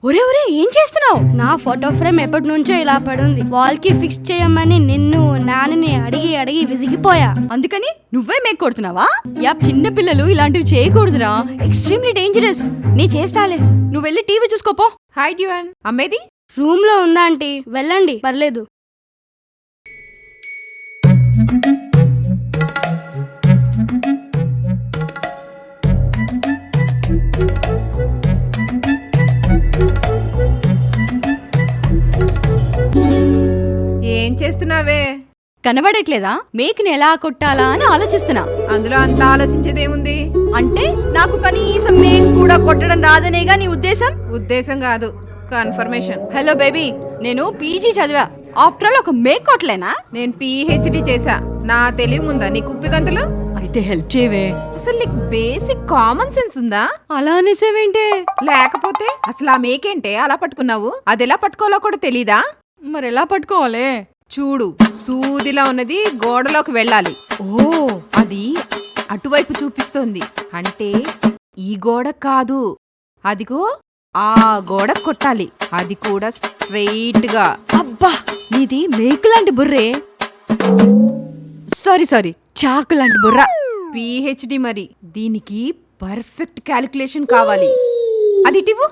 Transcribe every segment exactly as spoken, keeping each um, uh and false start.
ఒరే ఒరే ఏం చేస్తున్నావు? నా ఫోటో ఫ్రేమ్ ఎప్పటి నుంచో ఇలా పడుంది. వాల్ కి ఫిక్స్ చేయమని నిన్ను నాన్నని అడిగి అడిగి విసిగిపోయా. అందుకని నువ్వే మేక్ కొడుతున్నావా? యప్. చిన్న పిల్లలు ఇలాంటివి చేయకూడదురా, ఎక్స్ట్రీమ్లీ డేంజరస్. నీ చేస్తాలే, నువ్వు వెళ్ళి టీవీ చూసుకోపో. హాయ్ డ్యూయన్, అమ్మేది రూమ్ లో ఉందా ఆంటీ? వెళ్ళండి, పర్లేదు. ఏం చేస్తున్నావే? కనబడట్లేదా? మేక్ని ఎలా కొట్టాలా అని ఆలోచిస్తున్నా. అందులో అంత ఆలోచించేదేముంది? అంటే నాకు కనీసం మేక్ కూడా కొట్టడం రాదనేగా నీ ఉద్దేశం? ఉద్దేశం కాదు, కన్ఫర్మేషన్. హలో బేబీ, నేను పీజీ చదివా. ఆఫ్టర్ ఆల్ ఒక మేక్ కొట్టలేనా? నేను పిహెచ్డి చేశా. నా తెలివి ఉందా నీ కుప్పిగంతులు? అయితే హెల్ప్ చేయవే. అసలు నీకు బేసిక్ కామన్ సెన్స్ ఉందా? అలా అనేసేవేంటే? లేకపోతే అసలు ఆ మేకేంటే అలా పట్టుకున్నావు? అది ఎలా పట్టుకోవాలో కూడా తెలీదా? మరి ఎలా పట్టుకోవాలి? చూడు, సూదిలా ఉన్నది గోడలోకి వెళ్ళాలి. ఓ, అది అటువైపు చూపిస్తోంది అంటే ఈ గోడ కాదు, అదిగో ఆ గోడ కొట్టాలి. అది కూడా స్ట్రెయిట్ గా. అబ్బా, నీది మేకు లాంటి బుర్రే. సారీ సారీ, చాకు లాంటి బుర్ర. పిహెచ్డి మరి, దీనికి పర్ఫెక్ట్ క్యాలిక్యులేషన్ కావాలి. అది ఇటివు.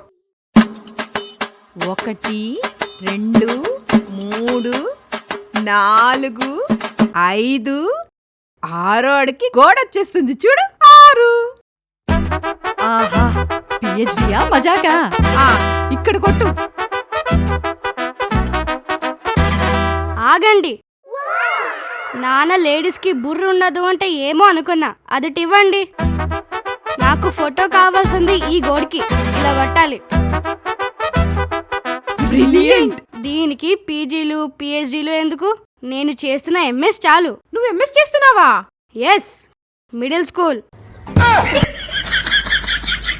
ఒకటి, రెండు, మూడు, నాలుగు, ఐదు, ఆరో అడికి గోడ వచ్చేస్తుంది చూడు. ఆరు. ఆహా, పిహెచ్డియా మజాకా? ఆ, ఇక్కడ కొట్టు. ఆగండి. నాన్న లేడీస్ కి బుర్ర ఉండదు అంటే ఏమో అనుకున్నా. అది ఇవ్వండి. నాకు ఫోటో కావాల్సింది ఈ గోడికి ఇలా కొట్టాలి. బ్రిలియంట్. దీనికి పీజీలు పిహెచ్డీలు ఎందుకు? నేను చేస్తున్న ఎంఎస్ చాలు. నువ్వు ఎంఎస్ చేస్తున్నావా? Yes, middle school.